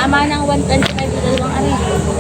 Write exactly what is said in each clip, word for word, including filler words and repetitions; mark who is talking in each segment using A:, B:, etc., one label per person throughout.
A: Tama ng one twenty-five sa dalawang ari.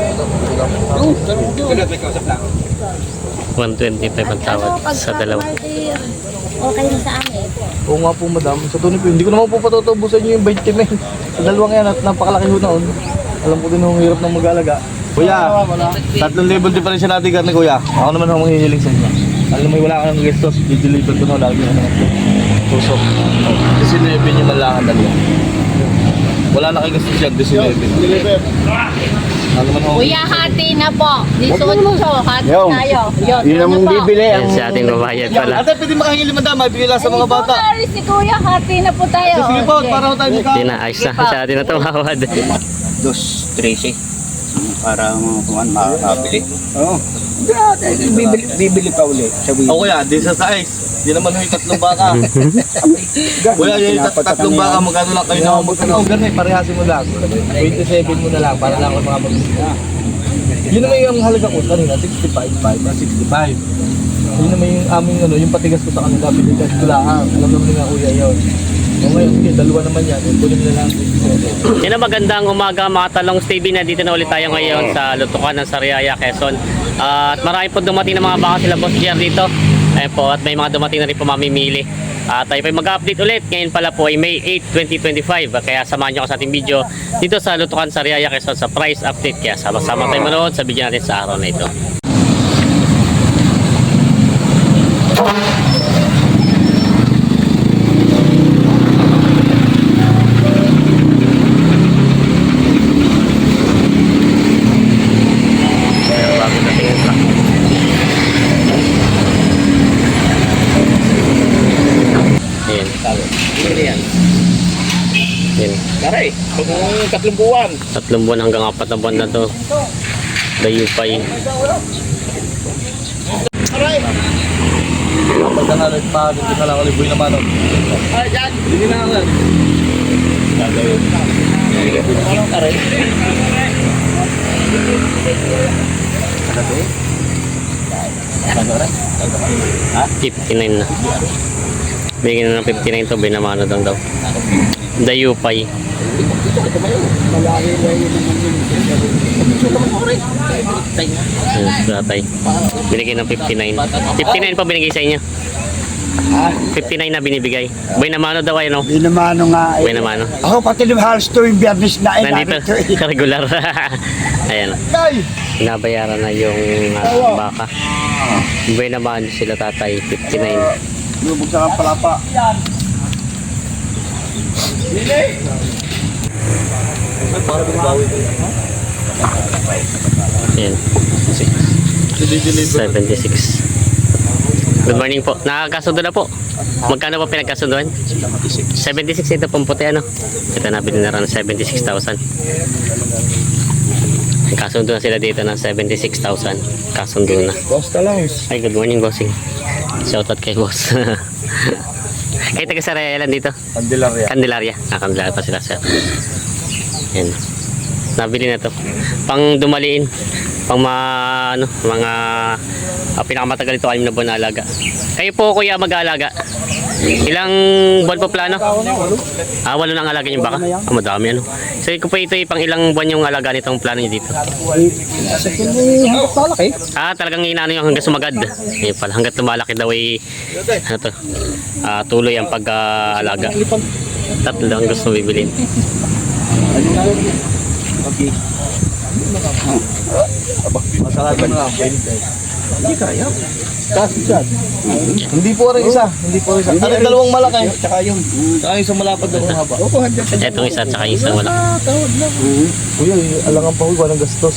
B: one twenty-five ang tawad sa dalawa.
A: Okay na sa amin.
C: Oo nga po madam, sa tunay po, hindi ko naman po patutubusan nyo yung twenty men. Sa dalawang yan at napakalaki ho noon. Alam ko din ang hirap ng mag-alaga. Kuya, tatlong level difference natin karne kuya. Ako naman ako manghihiling sa inyo. Alam mo wala ka ng gestos, di-deliver ko na lagi na tusok. nineteen nyo man lang ang dalawa. Wala na kayo gestos yan, nineteen. Deliver. Ano naman ako?
A: Kuya, hati na po. Disotso, hati tayo. Yun,
D: Yun ang mong bibili.
B: Yan si ating babayad pala.
C: Ate, pwede makahingi limang dama, bigay lang sa mga bata.
A: Si Kuya, hati na po tayo.
C: Sige po, para ho tayo mukha.
B: Hindi na, ayos na sa atin na tumawad.
D: Dos, trece. Para mga kuman makakabili. Oo. Bibili, bibili pa ulit. Sabi.
C: O kuya, di sa size. Di naman yung tatlong baka. Kuya, yung tat- tatlong baka, magkano lang kayo na magkano? Ganun, parehasin mo lang. twenty-seven mo na lang, para lang ako mga mag-isya. Yun naman yung halaga ko kanina, sixty-five, five, sixty-five. Yun naman yung aming ano, yung patigas ko sa kanila, pinigas ko lang. Alam naman nga kuya yun. O ngayon, sige, dalawa naman yan. Kunin na lang twenty-seven.
B: Yan ang magandang umaga mga talong T V na dito na ulit tayo ngayon sa Lutukan ng Sariaya, Quezon. Uh, at marami po dumating na mga baka sila Boss Jer dito. Ayun po, at may mga dumating na rin po mamimili. At tayo po mag-update ulit. Ngayon pala po ay May eighth, twenty twenty-five. Kaya samahan nyo ako sa ating video dito sa Lutukan Sariaya, Quezon sa price update. Kaya sama-sama tayo manood sa video natin sa araw na ito.
D: Karay, kung tatlong buwan.
B: Tatlong buwan hanggang apat na buwan na to. Dayupay.
D: Karay!
C: Pagka na rin pa, dito na lang ulit buhay naman.
D: Ay, yan!
C: Hindi na lang.
D: Gagawin. Karay.
B: fifty-nine na. Bigyan na ng fifty-nine to, binamano daw daw. Dayupay. Ayun, tatay. Binigyan ng fifty-nine. fifty-nine pa binigay sa inyo. fifty-nine na binibigay. Boy namano daw ay no?
D: Hindi naman nga.
B: Boy namano.
D: Ako pati yung halos to yung biyernes na eh.
B: Nandito, regular. Ayan. Nabayaran na yung uh, baka. Boy naman sila tatay, fifty-nine.
C: Lubog sa palapa.
B: Ayan. seventy-six. Good morning po. Nakakasundo na po. Magkano po pinagkasunduan? seventy-six ito pong puti ano. Ito na bininaran ng seventy-six thousand. Kasundo na sila dito ng seventy-six thousand. Kasundo na.
C: Boss ka lang.
B: Ay, good morning bossing. Shoutout kay boss. Kayo taga Sariaya lang dito?
C: Candelaria.
B: Candelaria. Ah, Candelaria pa sila sir. Yan. Nabili na to. Pang dumaliin. Pang mga, ano, mga uh, pinakamatagal ito, anim na buwan na alaga. Kayo po kuya mag-aalaga? Ilang buwan po plano? Ah, walo nang alaga yung baka? Ah, madami ano. So, kung po ito pang ilang buwan yung alaga nitong plano nyo dito? Ah, talagang inaano yung hanggang sumagad. Ayun pala, hanggang lumalaki daw ay ano to, ah, tuloy ang pag-alaga. Tatlo lang gusto bibilin.
C: Okay. Masarap na lang. Hindi kaya. Kasi dyan. Hindi po rin isa. Hindi po rin isa. Ano dalawang malaki? Tsaka yung. Tsaka yung sa malapad na haba.
B: Etong isa tsaka yung isa wala.
C: Kuya, alangan pa ko walang gastos.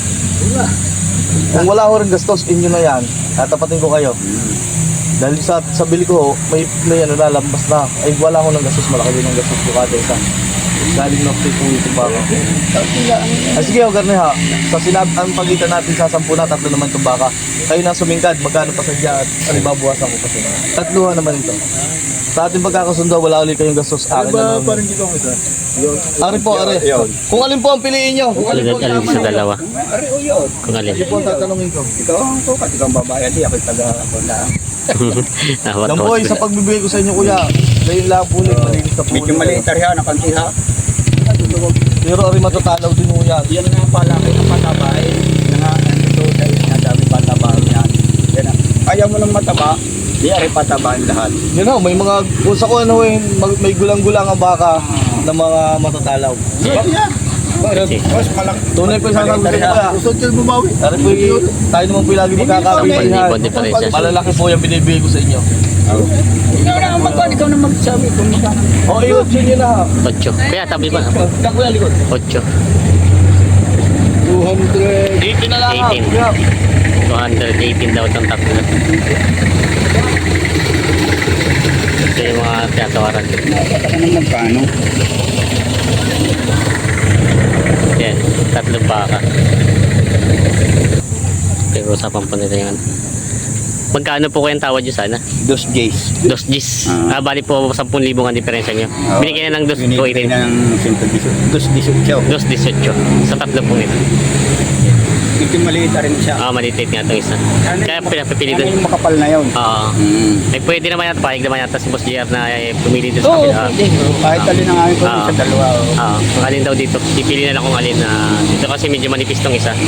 C: Kung wala ko rin gastos, inyo na yan. Tatapatin ko kayo. Dahil sa sa bili ko, may may ano na lambas na. Ay wala ko ng gastos, malaki din ang gastos ko kada isa. Galing na po ito ba? Ah, sige, o garne ha. Sa sinab ang pagitan natin sa sampu na, tatlo naman itong baka. Kayo na sumingkad, magkano pa sadya at ano babawasan ko kasi. Tatluhan naman ito. Sa ating pagkakasundo, wala ulit kayong gastos. Akin na naman. Ari po, ari. Kung alin po ang piliin nyo.
B: Alin alin sa dalawa. Kung alin.
C: Hindi po ang tatanungin ko.
D: Ikaw ang to, pati kang babayan, di ako taga ako na.
C: Yan po, sa pagbibigay ko sa inyo kuya, dahil lang po ulit, malinis na po.
D: Medyo maliit rin ha, nakanti ha.
C: Pero ari matatalaw din mo yan.
D: Yan nga pala kayo ng mataba eh. Nga, ano to, dahil nadami pataba yan. Yan ang, ayaw mo ng mataba, di ari patabain lahat.
C: Yun know, may mga, kung sa kung ano eh, mag- may gulang-gulang ang baka ng mga matatalaw.
D: Yan, yan.
B: Sige.
D: Mas malaki.
C: Tunay po yung sasabi ko kaya.
D: Gusto nyo bumawi.
C: Dari po y- tayo naman po yung lagi magkakabihan.
B: Sampung libo diferensya.
C: Malalaki po yung binibigay ko sa inyo.
D: Ikaw na ang magkano, ikaw na magsabi kung magkano.
C: O, iyon nyo na ha.
B: Ocho. Kuya, tabi ba?
C: Kakuya likod.
B: Ocho.
D: two hundred.
C: eighteen na lang ha.
B: eighteen.
C: Kuya.
B: two hundred eighteen daw itong tatlo. Ito yung mga tinatawaran.
D: Nakakata ka ng magkano.
B: Yan, tatlong baka. Pero usapan po nila yung ano. Magkano po kayang tawad nyo sana?
D: Dos days.
B: Dos Gs. Ah, bali po ten libo ang diferensya nyo. Binigyan na ng dos
D: Binigyan
B: eighteen.
D: na ng dos eighteen.
B: Dos eighteen. Sa tatlo po ito.
D: Ito maliit na rin siya.
B: Ah, malitit nga itong isa. Kaya pinapipili
D: Ano
B: doon.
D: yung makapal na yun?
B: Oo.
D: Mm.
B: Ay pwede naman yata, pahig naman yata si Boss J R na eh, pumili doon sa
D: Oo,
B: kapila.
D: pwede. Kahit alin ang aming pwede
B: Ah.
D: sa dalawa. oh.
B: Oo, ang alin daw dito. Ipili na lang kung alin na dito kasi medyo manipis tong isa.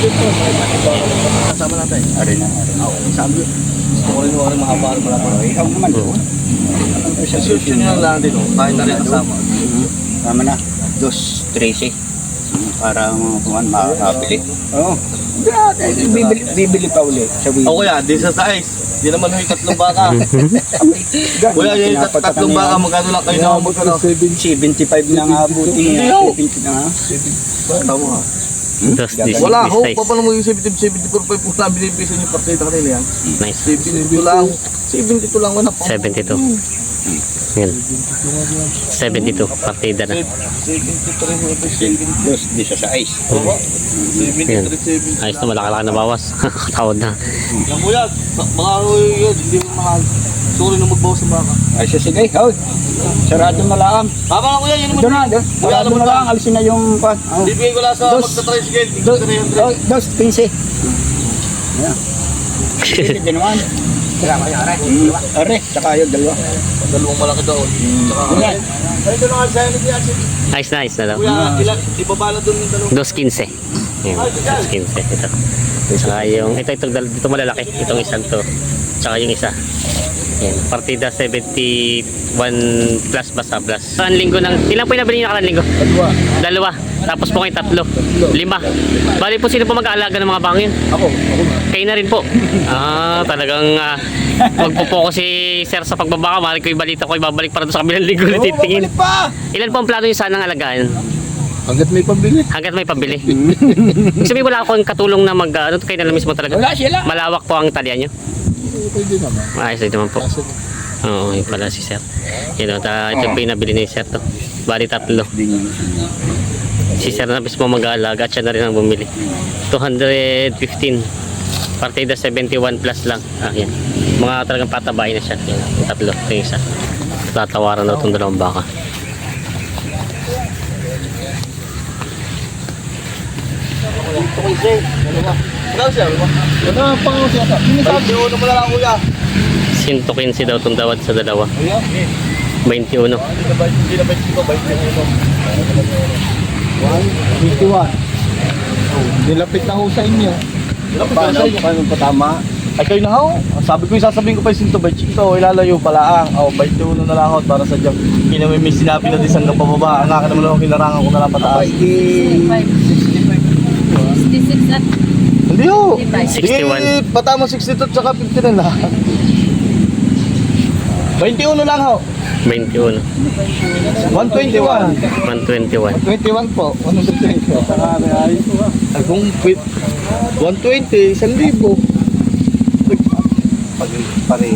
C: Kasama natin.
D: Arin na, arin na.
C: Sabi. Gusto ko rin mo rin mahaba rin pala.
D: Ikaw naman doon.
C: Susyo nyo lang din. Kahit na rin kasama.
D: Tama na. Dos, trece. Para mga makakabili. Oo. Bibili, bibili pa ulit. Sabi.
C: O kuya, di sa size. Di naman yung tatlong baka. Kuya, yung tat- tatlong baka, magkano lang kayo na magkano?
D: seventy-five na nga buti.
C: Hindi, oh.
D: seventy na nga.
C: Tama nga.
B: Dos Gs.
C: Wala ho,
B: size.
C: paano mo yung seventy, seventy-four pa yung na binibisa niyo partida kanila yan?
B: Nice.
C: seventy-two lang. seventy-two lang wala pa.
B: seventy-two. Yan. seventy-two. Partida na.
C: seventy-three,
D: Dos, di sa size.
B: Yan.
C: seventy-three, seventy.
B: Ayos na, malaki-laki na bawas. Tawad na.
C: Yan kuya, mga yun, hindi mo mga sorry na magbawas sa baka.
D: Ay, siya sige. Hoy. Sarado na lang.
C: Tama na kuya, yun
D: Doon
C: naman.
D: na. doon. Sarado na lang. Alisin na yung pan. Oh.
C: Bibigay ko lang sa
D: Dos.
C: magta-tricycle.
D: Dos,
C: three hundred.
D: dos, dos, quince. Ayan. Hindi din naman. Mm, Are, tsaka yung dalawa.
C: Dalawang malaki doon.
D: Ayan.
B: Ayos na, ayos na daw.
C: Kuya, ilan, ibabala doon yung dalawa.
B: Dos quince. Yan. Dos quince. Ito. Saka yung, ito, ito, ito malalaki. Itong isang to. Saka yung isa. Yan. Partida seventy-one plus basta plus. Karan linggo ng, ilan po yung nabili niyo karan linggo?
C: Dalawa.
B: Dalawa. Tapos po kayo tatlo. Lima. Bali po sino po mag-aalaga ng mga bangin?
C: Ako, ako na.
B: Kayo na rin po. Ah, talagang uh, magpo-focus si Sir sa pagbabaka. Mali ko yung balita ko, ibabalik para doon sa kabilang linggo na titingin.
C: Babalik pa!
B: Ilan po ang plano nyo sanang alagaan?
C: Hanggat may pambili.
B: Hanggat may pabili. Ibig sabihin wala akong katulong na mag, ano, kayo na lang mismo talaga.
D: Wala sila.
B: Malawak po ang talya nyo.
C: Pwede naman.
B: Ayos din naman po. Oo, yun pala si Sir. Yun, ta, ito po yung nabili ni Sir to. Bali tatlo. Si Sir na mismo mag-aalaga at siya na rin ang bumili. two hundred fifteen. Partida seventy-one plus lang. Ah, yan. Mga talagang patabayin na siya. Yan, yung tatlo. Ito yung isa. Tatawaran daw itong dalawang baka.
C: Ikaw siya, ano? Ano ang pangaw siya? Sinasabi ko naman na lang kuya.
B: one quince daw itong dawad sa dalawa.
C: Kuya?
B: twenty-one.
C: Hindi na ba ito? fifty-one.
D: Nilapit na ho sa inyo.
C: Paano?
D: Paano pa tama?
C: Ay kayo na ho. Sabi ko yung sasabihin ko pa yung sinto by chito. Ilalayo pala ang. O, twenty-one na lang ako para sa dyan. Kinamimis sinabi na din hanggang pababa. Ang akin naman ako kinarangan ko na lang pataas.
A: sixty-five. sixty-six at
C: Hindi ho.
B: sixty-one.
C: Di, patama sixty-two at saka fifty-nine na. twenty-one lang ho.
B: twenty-one.
C: one twenty-one.
B: one twenty-one.
D: twenty-one po. one twenty.
C: Ay kung quit. one twenty, one libo. Pag pareho.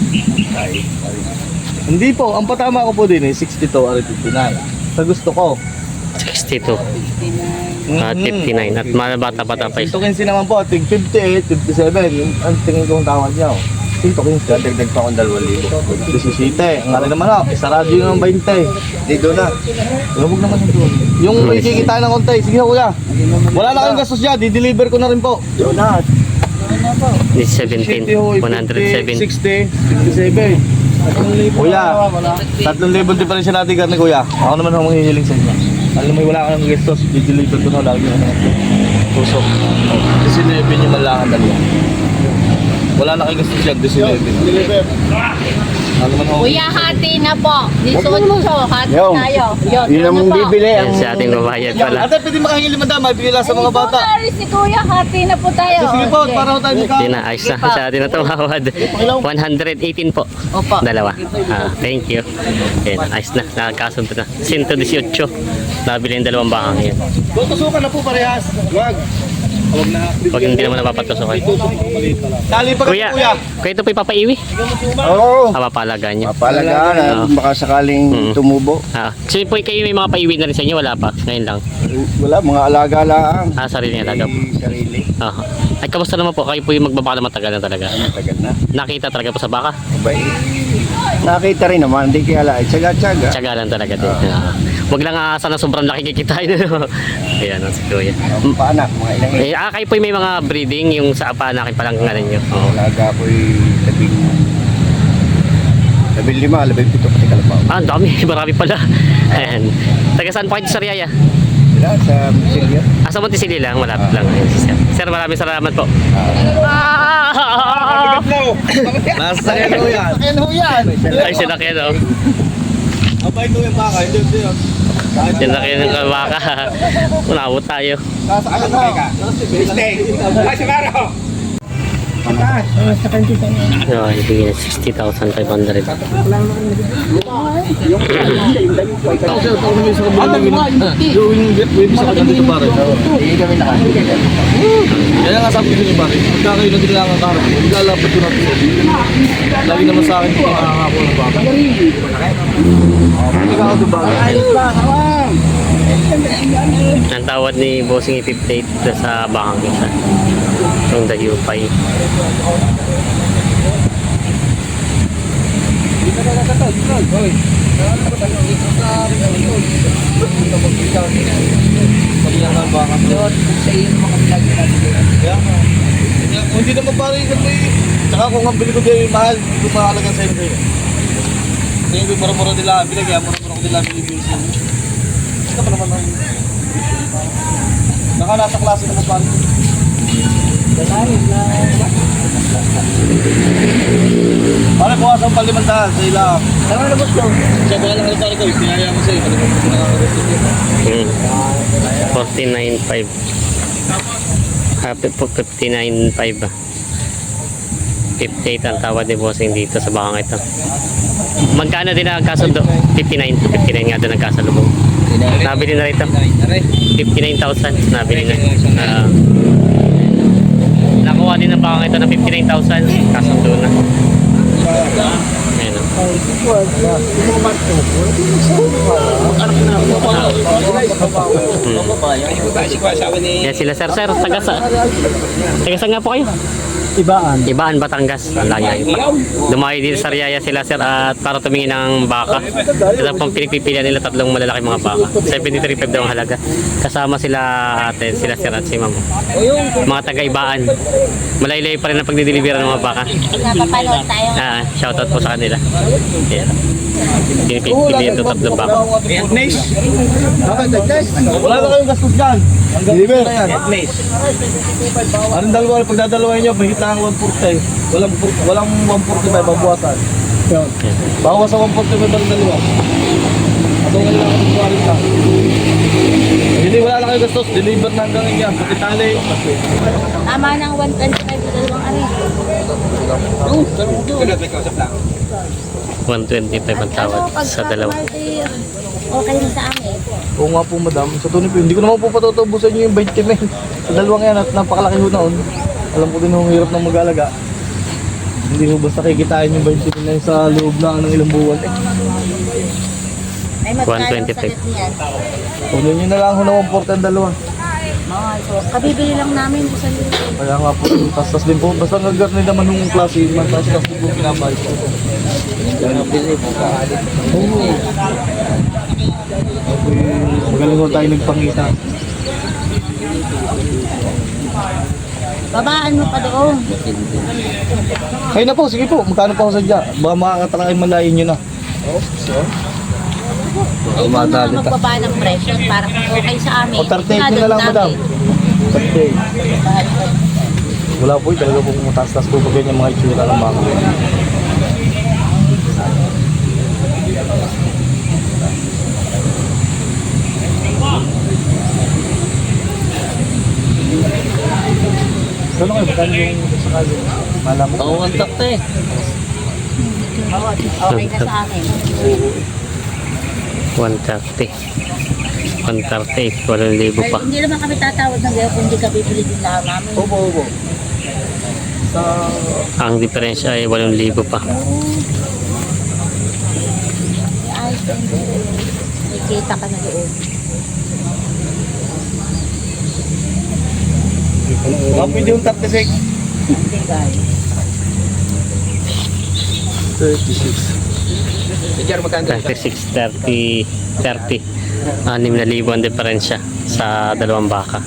C: Hindi po, ang patama ko po din eh, sixty-two or fifty-nine. Sa gusto ko.
B: sixty-two. At fifty-nine. At mga bata-bata pa isa.
C: Sinto quince naman po, tig fifty-eight, fifty-seven. Yung ang tingin kong tawad niya. oh. Sinto quince.
D: Dagdag pa akong dalawang libo.
C: seventy-seven. Ang nga rin naman ako, isarado yun ng twenty.
D: Dito na.
C: Huwag naman yung doon. Yung may kikita ng konti. Sige ho kuya. Wala na kayong gastos dyan. Di-deliver ko na rin po.
D: Doon na.
B: This seventeen. one hundred seven.
C: sixty, fifty-seven. Kuya, tatlong libon diferensya natin karne kuya. Ako naman ako manghihiling sa inyo. Alam mo, wala kang gestos, di-deliver ko na lagi ano. Tusok. Oh, nineteen yung malangan dalawa. Wala na kay gestos yan, nineteen. Deliver. Ano man ho?
A: Kuya, hati na po. eighteen, hati
E: Yung.
A: tayo. Yun,
E: Yun ang
A: ano po?
E: bibili.
B: Yan
E: Ang
B: si ating babayad pala.
C: Ate, pwede makahingi lima dama, bigay lang sa mga bata.
A: Ay, si Kuya, hati na po tayo.
C: Sige po,
A: Okay.
C: para ho tayo mukha.
B: Hindi na, ayos na sa atin na tumawad. one eighteen po.
A: Opo.
B: Dalawa. Ah, thank you. Yan, ayos na. Nakakasunod na. one eighteen. Nabili yung dalawang bakang yan.
C: Tutusukan na po parehas. Wag. Huwag na.
B: Pag hindi naman napapatusokan.
C: Tali pa kasi
B: Kuya,
C: kuya.
B: kuya ito po ipapaiwi.
E: Oo.
B: Ah, papalagaan nyo.
E: Mapalagaan na
B: Oo.
E: baka sakaling
B: Mm.
E: tumubo.
B: Ah, so po kayo may mga paiwi na rin sa inyo, wala pa. Ngayon lang.
E: Wala, mga alaga lang.
B: Ah, sarili niya talaga po.
E: May sarili.
B: Ah. Ay, kamusta naman po? Kayo po yung magbabaka na matagal na talaga.
E: Matagal na.
B: Nakita talaga po sa baka.
E: Abay. Nakita rin naman, hindi kaya ala. Tsaga-tsaga.
B: Tiyaga lang talaga din. Ah. Huwag lang asa na sobrang laki kikitain. Ayan, ang si Kuya.
E: Ang paanak, mga ilang
B: Eh, ah, kayo po may mga breeding, yung sa apanakin pa lang nga ninyo. Oo.
E: alaga ko'y labing labing lima, labing pito pati kalabaw.
B: Ah, ang dami. Marami pala. Ayan. Taga saan po kayo sa Riyaya?
E: Sila sa Silvia.
B: Ah, sa Monticello lang. Malapit lang. Ayan, si Sir. Sir, maraming salamat po. Ah!
C: Nasa kaya kuya.
E: Ayan ho yan.
B: Ay, sinakyan, oh.
C: Abay ko yung baka, hindi hindi yun.
B: Sinakyan ng kabaka. Unawot tayo.
C: Nasa ano ka? Stay. Ay, sigaro.
B: No, ibigay na sixty thousand five hundred.
C: Ano mo? Yung web sa kanila dito pare.
E: Hindi kami nakakita.
C: Kaya nga sabi ko niyo pare, pagka kayo na din lang ang karap, ilalapit ko natin. Lagi naman sa akin kung nakakako ng baka. Hindi ka ako doon baka.
B: Ang tawad ni Bossing fifty-eight sa bakang isa. Yung dayupay.
C: Hindi naman pare yung may... Tsaka kung ang bili ko dyan yung mahal, hindi ko makakalagan sa'yo kayo. Kaya yung mura-mura nila, bilang kaya mura-mura ko nila binibili sa'yo. Ito pa naman ang... Naka nasa klase naman pare. Pare, bukas ang palimantahan sa ilang. Tama na boss ko. Siya ba lang pare ko, pinaya mo sa'yo. Pali mo nakakagusto ko.
B: Hmm. forty-nine five. Happy po fifty-nine five. fifty-eight ang tawad ni Bossing dito sa bakang ito. Magkano din ang kasundo? fifty-nine. fifty-nine nga doon ang kasalubong. Nabili na rito. fifty-nine thousand. Nabili na. Ah. Nakuha din ang bakang ito na fifty-nine thousand. Kasundo na. Ayan. Hmm. Yan sila sir sir. Taga sa... Taga saan nga po kayo?
E: Ibaan.
B: Ibaan, Batangas. Ang layo pa. Dumayo dito sa Riyaya sila sir at para tumingin ng baka. Ito pang pinagpipilian nila tatlong malalaki mga baka. seventy-three five daw ang halaga. Kasama sila ate, sila sir at si ma'am. Mga taga-Ibaan. Malaylay pa rin ang pagdideliveran ng mga baka.
A: Napapanood tayo.
B: Ah, shoutout po sa kanila. Ayan. Pinipilian ito tatlong baka.
C: Wala na kayong gastos dyan. Ang gastos na yan. Anong dalawa, pagdadalawain nyo, mahigit lang ang one forty. Walang, walang one forty-five, babuwasan. Bawas sa one forty-five ang dalawa. At okay lang ang tuwarin lang. Hindi, wala na kayong gastos. Deliver na hanggang yan. Pati tali.
A: Tama ng one twenty-five sa dalawang ari.
B: one twenty-five ang tawad sa dalawa.
A: Okay na sa amin.
C: Oo nga po madam, sa tunay po, hindi ko naman po patutubusan nyo yung twenty men. Sa dalawang yan at napakalaki ho naon. Alam ko din ho, hirap ng mag-alaga. Hindi ho basta kikitain yung twenty men na yun sa loob na ng ilang buwan. Eh,
A: Ay, magkano
B: one
A: sa
B: twenty-five.
A: niyan?
C: kunin nyo na lang ho na one forty ang dalawa.
A: Mahal. So, kabibili lang namin sa lito.
C: Kaya nga po, tas-tas din po, basta nag-garni naman yung klase, man tas-tas din po pinabay ko. Oo. Okay, magaling ho tayo nagpangita.
A: Babaan mo pa doon.
C: Kayo na po, sige po, magkano pa ako sadya? Baka makakatalakay malayin nyo na.
A: Ito na magbaba ng presyo para okay sa amin.
C: O, thirty-eight nyo na lang, madam. thirty-eight. Wala po, talaga po kumataas-taas po pag ganyan mga itsura ng baka. Ano kayo, magkano yung sakali? Malaman ko.
B: Oo, ang takto eh.
A: Okay na sa amin.
B: one thirty. one thirty, walong libo pa.
A: Hindi naman kami tatawad ng gaya kung hindi ka bibili din lang namin.
C: Opo, opo. Sa...
B: Ang diferensya ay walong libo pa.
A: Ay, may kita ka na doon.
C: Ah, pwede yung thirty-six.
A: Hindi guys.
C: thirty-six.
B: thirty-six, thirty, thirty. Anim na libo ang diferensya sa dalawang baka.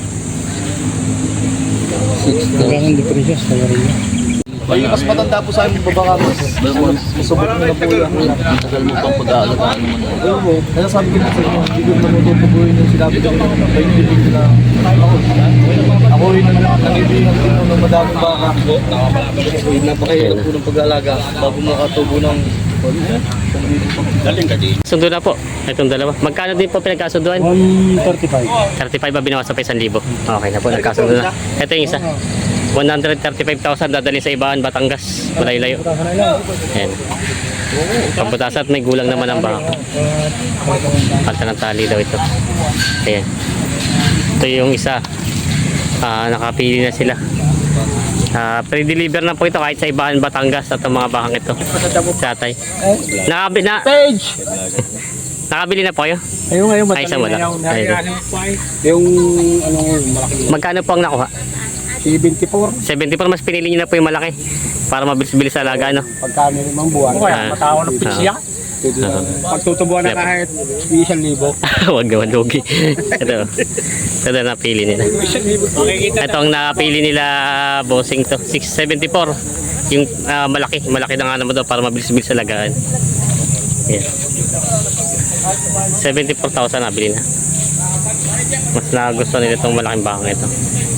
C: Ay, mas matanda po sa amin babaka mas masubok nyo na po yan.
D: Tagal mo pang pag-aalagaan mo na.
C: Ayun po, kaya sabi ko po sa inyo, hindi ko natutubuhin yung sinabi ko na painilig na ako. Ako rin ang nangibigan din ng madaming baka. Eh, napakahirap po ng pag-aalaga bago makatubo ng
D: Galing ka din.
B: Sundo na po. Itong dalawa. Magkano din po pinagkasunduan?
C: one thirty-five.
B: thirty-five ba binawas sa isang libo? Okay na po, nagkasundo na. Ito yung isa. one hundred thirty-five thousand dadalhin sa Ibahan, Batangas. Malayo-layo. Ayan. Pamputasan at may gulang naman ang baka. Palta ng tali daw ito. Ayan. Ito yung isa. Ah, nakapili na sila. Ah, pre-deliver na po ito kahit sa Ibahan, Batangas at ang mga bakang ito. Satay. Nakabi na. Nakabili na po kayo?
C: Ayun ngayon,
B: Ay, isa mo lang. Ayun.
C: yung ano, malaki.
B: Magkano po ang nakuha?
C: seventy-four.
B: seventy-four, mas pinili nyo na po yung malaki para mabilis-bilis sa alaga, no?
C: Pagkano limang buwan.
B: Ah.
C: Matao ng
B: pisya.
C: Pagtutubuan na
B: Yep.
C: kahit isang libo.
B: Huwag naman lugi. Ito. Ito na napili nila. Ito ang napili nila, bossing to. six seventy-four. Yung ah, malaki. Malaki na nga naman daw para mabilis-bilis sa alagaan. Yan. seventy-four thousand nabili na. Mas nagustuhan nila itong malaking bakang ito.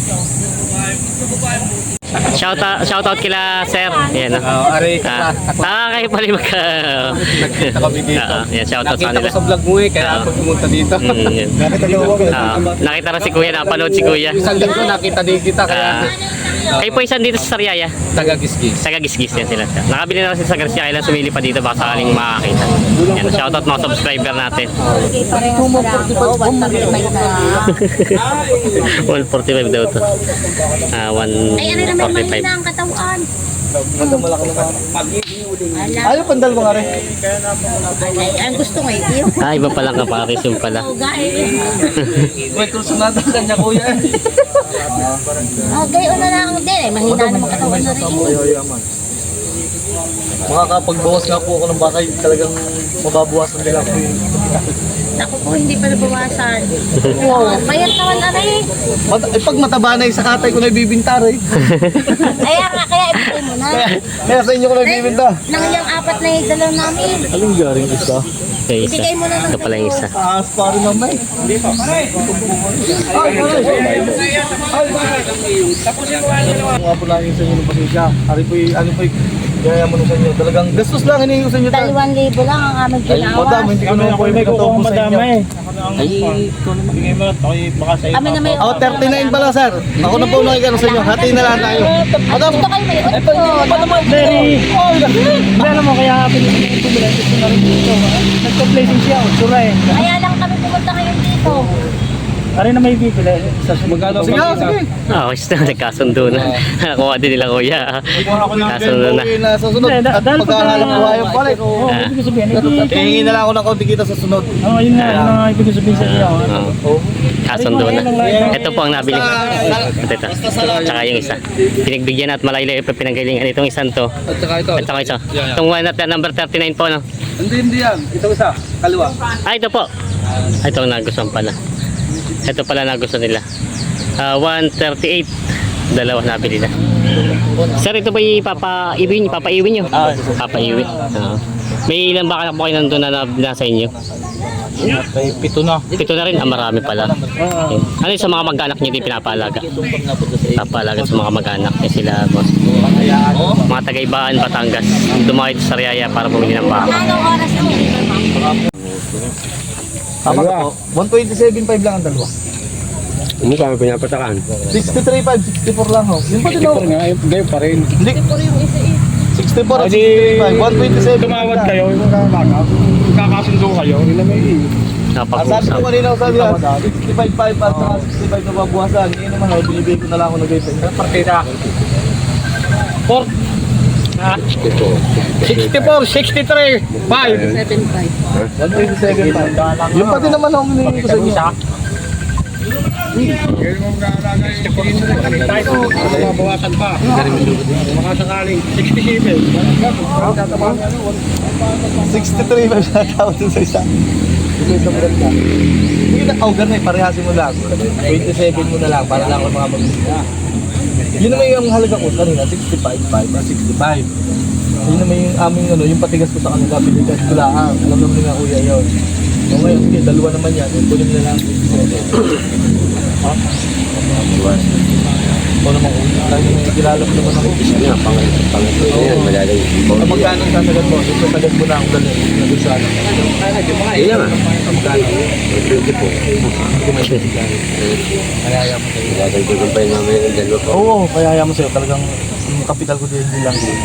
B: Shout out, shout out kila sir. Yan, no?
C: Oh, aray
B: Ah, ah, kayo pala yung magka...
C: Nakita kami dito.
B: Ah, yan, shout out sa
C: Nakita ko
B: kanila.
C: sa vlog mo eh, kaya
B: Ah.
C: ako pumunta dito.
B: Mm, yan.
C: Nakita ko
B: Ah, nakita rin si kuya, napanood si kuya.
C: Isang linggo nakita din kita kaya
B: Ah, kayo po isang dito sa Sariaya.
C: taga-gisgis.
B: Taga Gisgis yan sila. Nakabili na rin sila sa Garcia, kailan sumili pa dito baka sakaling makakita. Yan, shout out mga subscriber natin.
A: Okay, parehas na lang. Oo, one thirty-five na.
B: one forty-five daw to. Ah,
A: Ay, ano naman
B: one forty-five.
A: mahina ang katawan.
C: Malaki naman.
A: Ala,
C: Ayaw pandal mga rin.
A: alay, ang gusto ko eh. Yung
B: Ah, iba pala kapares yung pala.
A: gaya.
C: May kursunada kanya kuya.
A: Oh, gayo na lang din eh. Mahina naman katawan na rin.
C: Ayaw yaman. Makakapagbawas nga po ako ng bakay, talagang mababawasan nila ako yung...
A: Ako po, hindi pa nabawasan. Wow, mayat naman na rin.
C: Mat eh, pag mataba na yung sakatay ko na ibibinta rin.
A: Kaya nga, kaya ibigay mo na.
C: Kaya sa inyo ko na ibibinta.
A: Nang yung apat na yung dalaw namin.
C: Anong garing isa?
B: Okay, isa.
A: Ibigay mo na ng
B: Ito pala yung isa.
C: Taas pa rin naman eh. Mga po lang yung sa inyo ng pasensya. Ari po yung, ano po yung, gaya mo sa inyo. Talagang gastos lang hinihingi ko sa inyo. ta.
A: Dalawang libo lang ang aming
C: Ay,
A: ginawa.
C: madam, hindi ko naman po yung katawag sa inyo.
D: Ay, ito naman. Bigay mo na. Baka sa'yo.
A: Kami na may
C: Ako, thirty-nine pala, sir. Ako na po nakikano sa inyo. Hati na lang tayo. Madam,
A: Gusto kayo may
C: ito hindi ko pa naman. Very. Oh,
E: Alam mo, kaya pinipili ko bilang gusto na rin dito. Nagpa-placing siya, utsura eh.
A: Kaya lang kami pumunta ngayon dito.
E: Pare na may bibili. Sa
C: Magkano? Sige, sige.
B: Ah, okay na. Nagkasundo na. Nakuha din nila kuya. Kasundo na.
C: Uwi na sa sunod.
E: Hindi,
C: At
E: dahil pag-
C: pagkahalang buhay ang palit.
E: Oo,
B: Ah.
E: ibig sabihin, ito.
C: Hihingi na lang ako ng konti kita sa sunod.
E: Oo, yun nga, yun ang ibig sabihin sa iyo.
B: Oo. Kasundo na. Ito po ang nabili. Ito, ito. Tsaka yung isa. Pinagbigyan at malayo pa pinanggalingan itong isang to.
C: At saka ito.
B: At saka ito. Itong one at number thirty-nine po, no?
C: Hindi, hindi yan. Ito isa. Kaliwa.
B: Ah, ito po. Ah, ito ang nagustuhan pala. Ito pala nagustuhan nila. Ah, one thirty-eight. Dalawa nabili na. Sir, ito ba ipapa-iwin? Ipapa-iwin nyo? Ah, papa-iwin. Ah. May ilan ba po kayo nandun na, na nasa inyo?
C: Kay pito na.
B: Pito na rin, ah, marami pala. Okay. Ano yung sa mga mag-anak niyo din pinapalaga? Papalaga sa mga mag-anak eh sila boss. Mga taga-ibaan, Batangas. Dumakit sa Sariaya para bumili ng baka.
A: Anong oras ang deliver, ma'am?
C: Tama ka po. one twenty-seven point five lang ang dalawa.
F: Hindi kami pinapatakan.
C: sixty-three point five, sixty-four lang ho. Yung pati
F: Ito
C: no.
F: nga, eh, gayon pa rin.
C: Hindi. sixty-four at
F: Adi,
C: sixty-three point five, one twenty-seven.
F: Tumawad kayo, yung kakaka. Kakasundo kayo, hindi na may
C: Ang sabi ko
B: Napag-usap.
C: kanina sabi yan, sixty-five point five at saka sixty-five na babuwasan. Hindi naman ho, binibigay ko na lang ako ng gaypin.
F: partida. sixty-four, sixty-three, five.
C: one twenty-seven point five. Yung pati naman ho, hinihingi ko sa inyo.
F: Tayo, mabawasan pa. Mga sakaling sixty-seven.
C: sixty-three pa siya tawag dun sa isa. Yung isa mo na. Hindi na, oh ganun eh, parehasin mo lang. twenty-seven mo na lang para lang ako mga mag-isip. Yun naman yung halaga ko kanina, sixty-five point five, sixty-five. Yun naman yung aming ano, yung patigas ko sa kanila, pinigas ko lang. Alam naman nga kuya yun. So ngayon, sige, dalawa naman yan. Kunin mo na lang twenty-seven. Ha? Ito naman kuya. Lagi may kilala ko naman ako.
F: Nga, pangatlo na yan, malalay.
C: Ah, magkano ang sasagat mo? Yung sasagat mo na ako ganun. Nandun sa ano.
F: Iya nga.
C: Ah, magkano?
F: twenty po.
C: Kaya mo sa'yo.
F: Dadagdagan pa yung mamaya ng dalawa po.
C: Oo, kaya mo sa'yo. Talagang yung kapital ko din din lang din.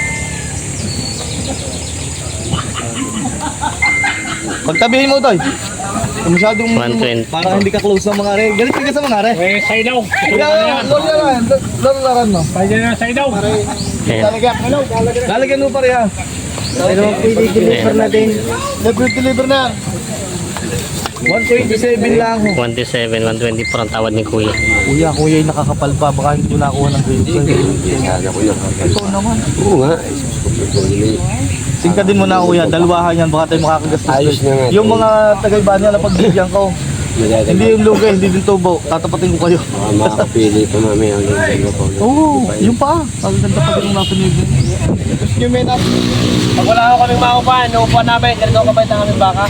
C: Pagtabihin mo, Toy. Kung masyadong
B: one twenty.
C: para hindi ka close ng mga are. Galit ka sa mga are.
F: Eh, saidaw.
C: Kuya, lolo yan. Lolo lakan mo.
F: Kaya na saidaw.
B: Ayan.
C: Lalagyan mo pa rin ha. Pero i-deliver natin. Nag-deliver na. one twenty-seven lang ho.
B: one twenty-seven, one twenty-four ang tawad ni Kuya.
C: Kuya, kuya yung nakakapal pa. Baka hindi mo nakuha ng grade sa'yo.
F: Kaya ko yun.
C: Ito naman.
F: Oo nga.
C: Singka din mo na kuya, dalawahan yan, baka tayo makakagastos.
F: Ayos na nga.
C: Yung mga tagay-banya na pagbigyan ko, hindi yung lugay, hindi din tubo, tatapatin ko kayo.
F: Mga makakapili pa mamaya ang dalawa po.
C: Oo, yung pa. Ang ganda pa din yung napanigin.
E: Yung men up. Pag wala ako kaming maupahan, naupahan namin, ganito kabait na kaming baka.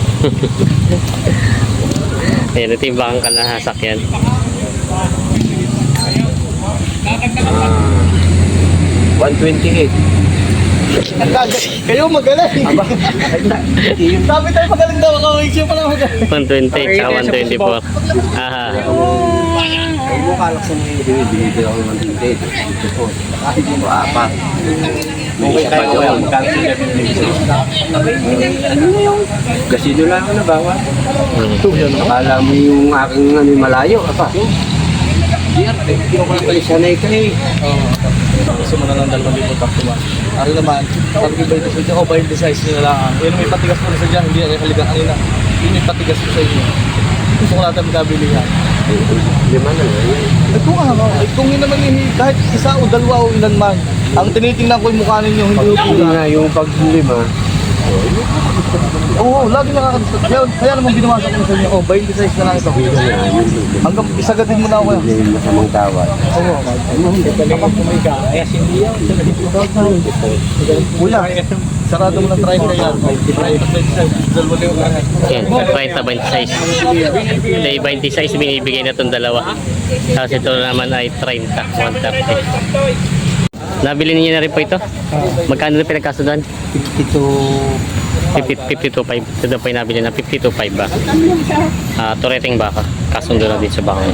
B: Ayan, ito yung bakang kanahasakyan.
F: one twenty-eight.
C: Kayo magaling. Sabi tayo magaling daw, makawig siya pala magaling.
B: one twenty at one twenty-four. Aha.
F: Kung mo kalak sa mga hindi, binibigay ako ng one twenty-eight. Ito po. Kahit yung apat. May isa pa yun. Ano na yung? Gasino lang ako na bawat. Akala mo yung aking ano, malayo. Apa? Di arte. Hindi ko lang pala sanay ka eh.
C: Gusto mo na lang dalawang libo takto ba? Ano naman, sabi ko ba ito sa inyo, o ba yung size nyo na lang. Yun may patigas ko na sa dyan, hindi na kaligang kanina. Yun may patigas ko sa inyo. Gusto ko natin magkabili yan.
F: Lima na lang.
C: Eh kung ano, eh, kung yun naman yung kahit isa o dalawa o ilan man, ang tinitingnan ko yung mukha ninyo, hindi ko
F: Hindi nga yung pag lima.
C: Oo, lagi nakakadistot. Kaya, kaya naman binawasan ko na sa inyo, oh, ba yung size na lang ito. Hanggang isagatin mo na ako yan.
F: Hindi yung masamang tawad.
C: Oo. Kuya, sarado mo ng treinta yan. treinta, twenty-seven, dalawa na yung lahat.
B: Ayan, thirty, twenty-six. Ito yung twenty-six, binibigay na itong dalawa. Tapos ito naman ay thirty, one thirty. Nabili niyo na rin po ito? Magkano na pinagkasundan? fifty-two point five. Ito daw po yung nabili na fifty-two point five ba? Ah, tureting baka. Kasundo na dito sa baka.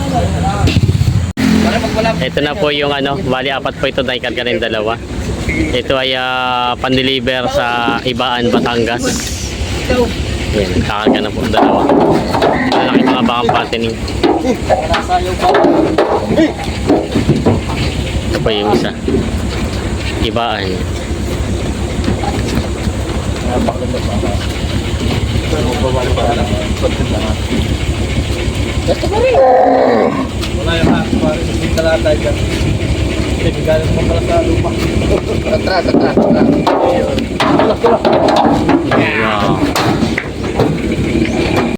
B: Ito na po yung ano, bali apat po ito, naikarga na yung dalawa. Ito ay uh, pan-deliver sa Ibaan, Batangas. Ayan, kakarga na po ang dalawa. Malaki mga bakang pattening. Ito pa yung isa. Ibaan.
C: Wala yung mga pare, hindi talata dyan. Hindi, galing mo pala sa lupa. Atras, atras, atras. Ayun. Tulak, tulak.
B: Wow.